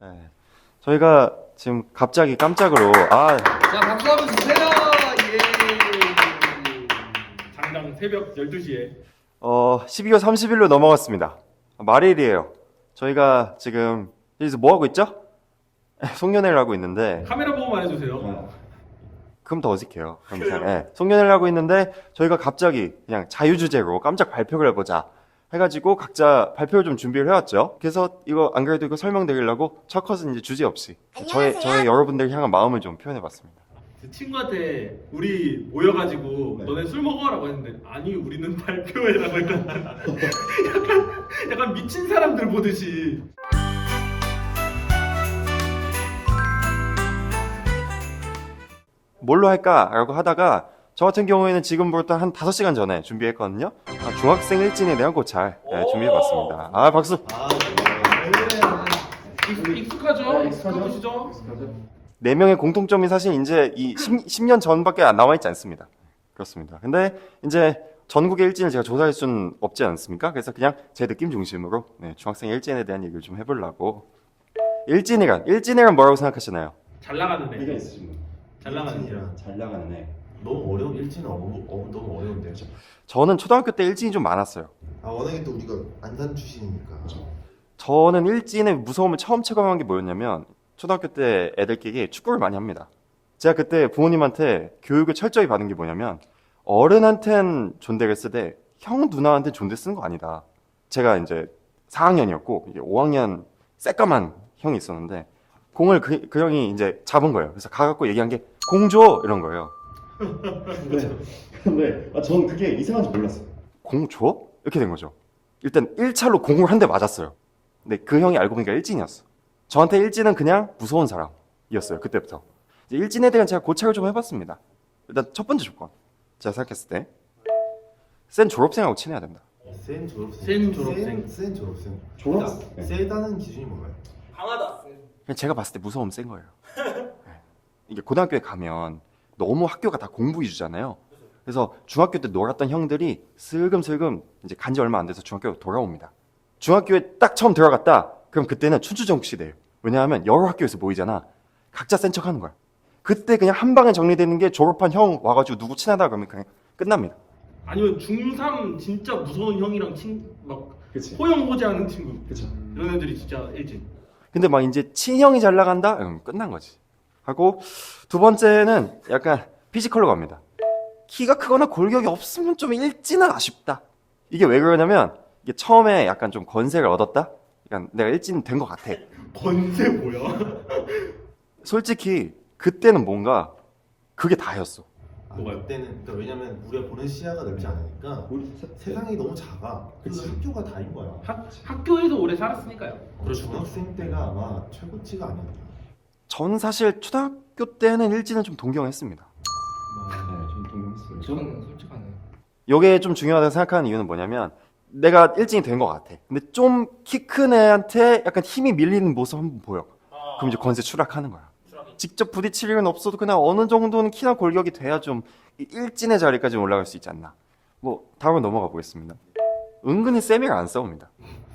네. 저희가 지금 갑자기 깜짝으로 자, 박수 한번 주세요. 예. 당장 새벽 12시에 12월 30일로 넘어갔습니다. 말일이에요. 저희가 지금 여기서 뭐 하고 있죠? 송년회를 하고 있는데 카메라 보고만 해주세요. 그럼 더 어색해요. 네. 송년회를 하고 있는데 저희가 갑자기 그냥 자유주제로 깜짝 발표를 해보자 해가지고 각자 발표를 좀 준비를 해왔죠. 그래서 이거 안 그래도 이거 설명드리려고 첫 컷은 이제 주제 없이 저의 여러분들 향한 마음을 좀 표현해봤습니다. 그 친구한테 우리 모여가지고 너네 술 먹어라고 했는데 아니 우리는 발표회라고 했거든. 약간 미친 사람들 보듯이. 뭘로 할까라고 하다가 저 같은 경우에는 지금부터 한 5시간 전에 준비했거든요. 중학생 일진에 대한 고찰 준비해봤습니다. 아 박수. 익숙하죠? 익숙하시죠? 4명의 공통점이 사실 이제 이 10년 전밖에 안 남아있지 않습니다. 그렇습니다. 근데 이제 전국의 일진을 제가 조사할 수는 없지 않습니까? 그래서 그냥 제 느낌 중심으로 중학생 일진에 대한 얘기를 좀 해보려고. 일진이란 뭐라고 생각하시나요? 잘 나가는 애. 의견 있으신 분. 잘 나가는 애. 잘 나가는 애. 너무 어려운 일진은 너무 어려운데요. 저는 초등학교 때 일진이 좀 많았어요. 아 워낙에 또 우리가 안산 출신이니까. 저는 일진의 무서움을 처음 체감한 게 뭐였냐면 초등학교 때 애들끼리 축구를 많이 합니다. 제가 그때 부모님한테 교육을 철저히 받은 게 뭐냐면 어른한텐 존대를 쓰되 형 누나한테 존대 쓰는 거 아니다. 제가 이제 4학년이었고 이게 5학년 새까만 형이 있었는데 공을 그 형이 이제 잡은 거예요. 그래서 가갖고 얘기한 게 공 줘! 이런 거예요. 근데 전 그게 이상한지 몰랐어요. 공 줘? 이렇게 된 거죠. 일단 1차로 공을 한 대 맞았어요. 근데 그 형이 알고 보니까 일진이었어. 저한테 일진은 그냥 무서운 사람이었어요. 그때부터. 이제 일진에 대한 제가 고찰을 좀 해봤습니다. 일단 첫 번째 조건. 제가 생각했을 때 센 졸업생하고 친해야 된다. 센 졸업생. 센 졸업생. 센 졸업생. 졸업? 네. 세다는 기준이 뭔가요? 강하다. 그냥 제가 봤을 때 무서움 센 거예요. 네. 이게 고등학교에 가면 너무 학교가 다 공부 위주잖아요. 그래서 중학교 때 놀았던 형들이 슬금슬금 이제 간지 얼마 안 돼서 중학교로 돌아옵니다. 중학교에 딱 처음 들어갔다. 그럼 그때는 춘추전국 시대예요. 왜냐하면 여러 학교에서 모이잖아. 각자 센 척하는 거야. 그때 그냥 한 방에 정리되는 게 졸업한 형 와가지고 누구 친하다 그러면 그냥 끝납니다. 아니면 중3 진짜 무서운 형이랑 막 그치. 호영호재하는 친구. 그쵸. 이런 애들이 진짜 일진. 근데 막 이제 친형이 잘 나간다? 그럼 끝난 거지. 하고 두 번째는 약간 피지컬로 갑니다. 키가 크거나 골격이 없으면 좀 일진은 아쉽다. 이게 왜 그러냐면 이게 처음에 약간 좀 건세를 얻었다? 그러니까 내가 일진 된 것 같아. 건세 뭐야? 솔직히 그때는 뭔가 그게 다였어. 뭐가요? 그때는 그러니까 왜냐면 우리가 보는 시야가 넓지 않으니까 우리 세상이 너무 작아. 그래서 그치. 학교가 다인 거야. 학교에서 오래 살았으니까요. 중학생 때가 아마 최고치가 아니었나. 전 사실 초등학교 때는 일진을 좀 동경했습니다. 네, 좀 동경했어요. 저는 솔직하네. 이게 좀 중요하다고 생각하는 이유는 뭐냐면 내가 일진이 된 것 같아. 근데 좀 키 큰 애한테 약간 힘이 밀리는 모습 한번 보여. 그럼 이제 건세 추락하는 거야. 직접 부딪힐 일은 없어도 그냥 어느 정도는 키나 골격이 돼야 좀 일진의 자리까지 올라갈 수 있지 않나. 뭐 다음으로 넘어가 보겠습니다. 은근히 쌤이랑 안 싸웁니다.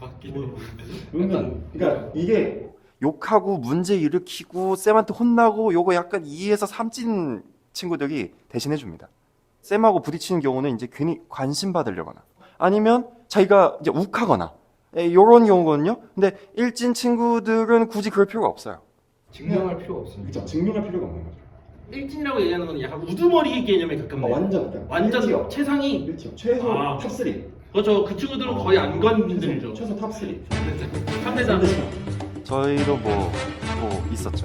은근 그러니까 이게 욕하고 문제 일으키고 쌤한테 혼나고 요거 약간 2에서 3찐 친구들이 대신해 줍니다. 쌤하고 부딪히는 경우는 이제 괜히 관심 받으려거나 아니면 자기가 이제 욱하거나 요런 경우거든요. 근데 일진 친구들은 굳이 그럴 필요가 없어요. 증명할 필요가 없습니다. 그쵸. 증명할 필요가 없는 거죠. 일진이라고 얘기하는 건 약간 우두머리 개념에 가깝네요. 완전 일티어. 최상위. 일티어. 최소 아. 탑3. 그렇죠. 그 친구들은 거의 안 건들죠. 최소 탑3. 3대장. 저희도 뭐 또 있었죠.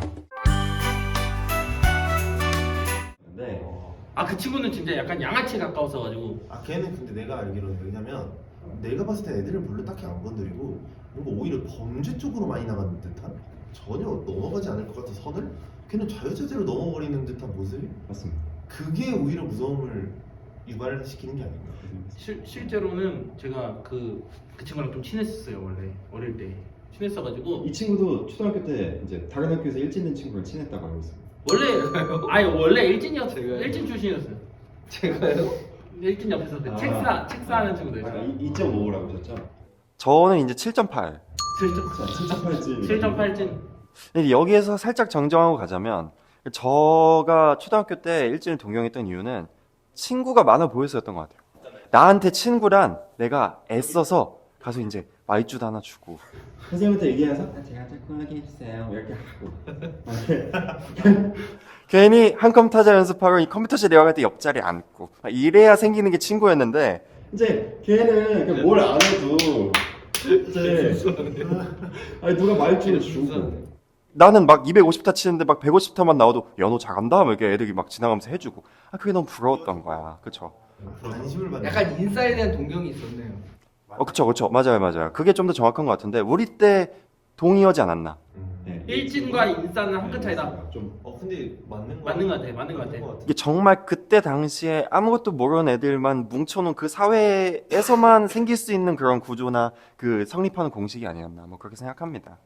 네. 그 친구는 진짜 약간 양아치에 가까웠어가지고. 아 걔는 근데 내가 알기로는 왜냐면 내가 봤을 때 애들을 별로 딱히 안 건드리고 뭔가 오히려 범죄 쪽으로 많이 나가는 듯한 전혀 넘어가지 않을 것 같은 선을 걔는 자유자재로 넘어버리는 듯한 모습이 맞습니다. 그게 오히려 무서움을 유발시키는 게 아닌가. 실제로는 제가 그 친구랑 좀 친했었어요. 원래 어릴 때 친했어가지고 이 친구도 초등학교 때 이제 다른 학교에서 일진된 친구를 친했다고 알고 있어요. 원래 일진이었어요. 일진 출신이었어요. 제가요? 일진 옆에서 그 책사하는 친구들. 아까 2.5라고 하셨죠? 저는 이제 7.8. 7.8진. 7.8진. 근데 여기에서 살짝 정정하고 가자면 저가 초등학교 때 일진을 동경했던 이유는 친구가 많아 보여서였던 것 같아요. 나한테 친구란 내가 애써서 가서 이제 마이쮸도 하나 주고 선생님한테 얘기해서 제가 자꾸 하게 해주세요 이렇게 하고 괜히 한 컴퓨터 타자 연습하고 이 컴퓨터실 내려갈 때 옆자리에 앉고 이래야 생기는 게 친구였는데 이제 걔는 뭘 안 해도 이제 아니 누가 말투를 주고 나는 막 250타 치는데 막 150타만 나와도 야 너 잘한다 막 이렇게 애들이 막 지나가면서 해주고 그게 너무 부러웠던 거야. 그쵸? 관심을 받는. 약간 인싸에 대한 동경이 있었네요. 그쵸. 맞아요. 그게 좀 더 정확한 것 같은데 우리 때 동의하지 않았나? 네. 일진과 인싸는 한 끗 차이다. 좀 근데 맞는 맞는 것 같아. 이게 정말 그때 당시에 아무것도 모르는 애들만 뭉쳐놓은 그 사회에서만 생길 수 있는 그런 구조나 그 성립하는 공식이 아니었나 뭐 그렇게 생각합니다.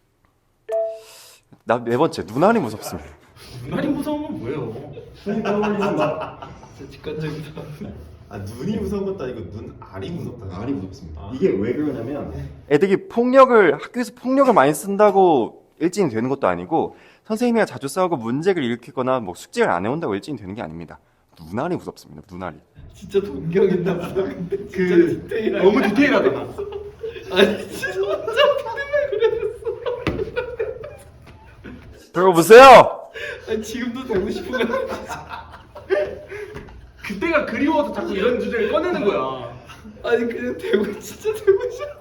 나 네 번째 눈알이 무섭습니다. 눈알이 무서운 건 뭐예요? 진짜 직관적이다. 눈이 무서운 것도 아니고 눈알이 무섭다. 알이 무섭습니다. 이게 왜 그러냐면 애들이 학교에서 폭력을 많이 쓴다고 일진이 되는 것도 아니고 선생님이랑 자주 싸우고 문제를 일으키거나 뭐 숙제를 안 해온다고 일진이 되는 게 아닙니다. 눈알이 무섭습니다. 눈알이. 진짜 동경인다 보다. 근데 그 너무 디테일하다. 아니 진짜 들어보세요. 아니 지금도 되고 싶은 거 그때가 그리워서 자꾸 이런 주제를 꺼내는 거야. 아니 그냥 되고 진짜 되고 싶어.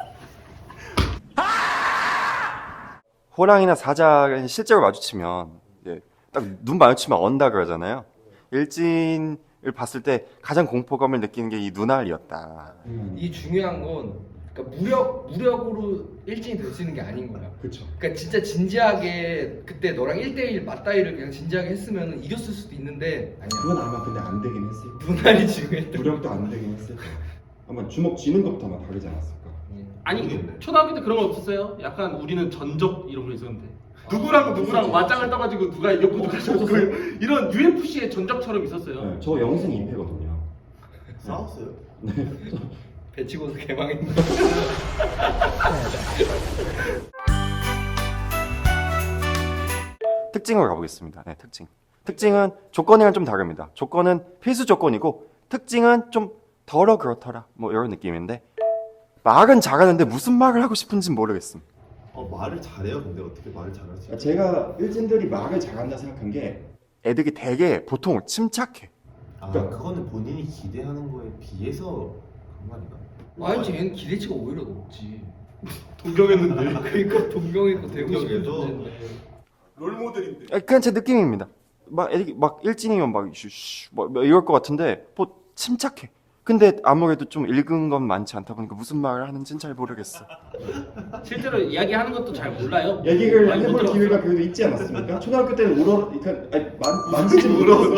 호랑이나 사자가 실제로 마주치면 딱 눈 마주치면 언다 그러잖아요. 일진을 봤을 때 가장 공포감을 느끼는 게 이 눈알이었다. 이 중요한 건 그러니까 무력으로 일진이 될 수 있는 게 아닌 거야. 그쵸. 그러니까 진짜 진지하게 그때 너랑 1대1 맞다이를 그냥 진지하게 했으면 이겼을 수도 있는데 아니야. 그건 아마 근데 안 되긴 했을 거예요. 눈알이 중요했던. 무력도 안 되긴 했을 거예요. 아마 주먹 쥐는 것부터 아마 다르지 않았을까. 아니 모르겠네. 초등학교 때 그런 거 없었어요? 약간 우리는 전적 이런 거 있었는데 누구랑 맞짱을 떠가지고 누가 이겼고 누가 졌고 이런 UFC의 전적처럼 있었어요. 네, 저 영승 2패거든요. 싸웠어요? 배치고서 개망했네. 특징으로 가보겠습니다. 네, 특징. 특징은 조건이랑 좀 다릅니다. 조건은 필수 조건이고 특징은 좀 덜어 그렇더라 뭐 이런 느낌인데 말은 잘하는데 무슨 말을 하고 싶은지 모르겠음. 말을 잘해요. 근데 어떻게 말을 잘하지? 제가 일진들이 말을 잘한다 생각한 게 애들이 되게 보통 침착해. 그거는 본인이 기대하는 거에 비해서 그런 거 아닌가? 아니 쟤는 기대치가 오히려 높지. 동경했는데. 그러니까 동경이고 되고 싶은 동경이죠. 존재인데. 롤모델인데. 그냥 제 느낌입니다. 막 애들이 막 일진이면 막 이럴 것 같은데 뭐 침착해. 근데 아무래도 좀 읽은 건 많지 않다 보니까 무슨 말을 하는지는 잘 모르겠어. 실제로 이야기하는 것도 잘 몰라요. 얘기를 많이 못 해볼 들었어. 기회가 그래도 있지 않았습니까? 초등학교 때는 만지지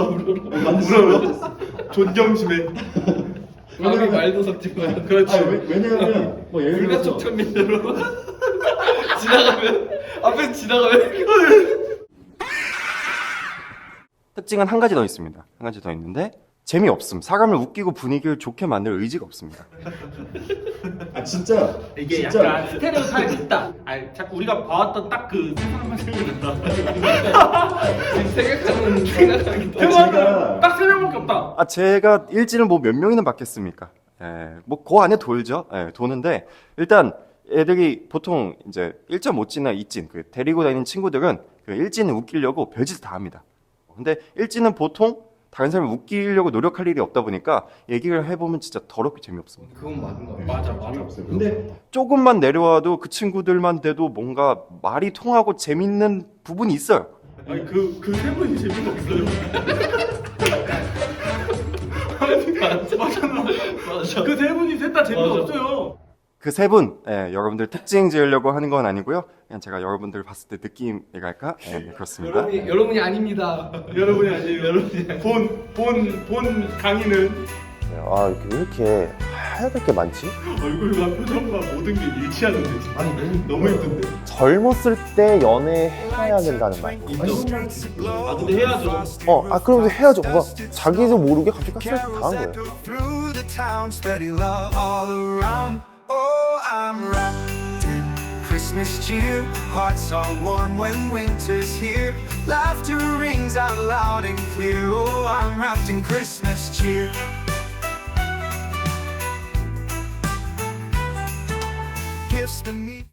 못했어. 존경심에. 아무리 말도 섞지 마. 그렇지. 왜냐하면 뭐 예를 들어서 불가촉 천민대로 지나가면 앞에 지나가면 특징은 한 가지 더 있습니다. 한 가지 더 있는데 재미없음. 사람을 웃기고 분위기를 좋게 만들 의지가 없습니다. 진짜 이게 진짜 약간 스테레오 타입이 있다. 아니, 자꾸 우리가 봐왔던 딱 그 세상만 생각난다. 지금 생각하기 세상은 딱 3명밖에 없다. 제가 일진을 뭐 몇 명이나 받겠습니까? 뭐 그 안에 돌죠. 도는데 일단 애들이 보통 이제 1.5찐이나 2찐 그 데리고 다니는 친구들은 그 일진을 웃기려고 별짓을 다 합니다. 근데 일진은 보통 다른 사람을 웃기려고 노력할 일이 없다 보니까 얘기를 해보면 진짜 더럽게 재미없습니다. 그건 맞는 거 같아. 맞아. 재미없어요. 근데 조금만 내려와도 그 친구들만 돼도 뭔가 말이 통하고 재밌는 부분이 있어요. 아니 그3 분이 재미가 없어요. 맞잖아. 그3 분이 셋 다 재미가 없어요. 그 세 분, 여러분들 특징 지으려고 하는 건 아니고요. 그냥 제가 여러분들 봤을 때 느낌이랄까? 그렇습니다. 여러분이 아닙니다. 여러분이 아니에요. 여러분이 본 강의는 왜 이렇게 하얗게 게 많지? 얼굴과 표정과 모든 게 일치하는데 아니 너무 힘든데. 젊었을 때 연애해야 된다는 말. 근데 해야죠. 그러면서 해야죠. 뭔가 자기도 모르게 갑자기 가스라이팅 당한 거예요. through the town, steady love all around. Oh, I'm wrapped in crystal Christmas cheer. Hearts are warm when winter's here. Laughter rings out loud and clear. Oh, I'm wrapped in Christmas cheer. Gifts to me.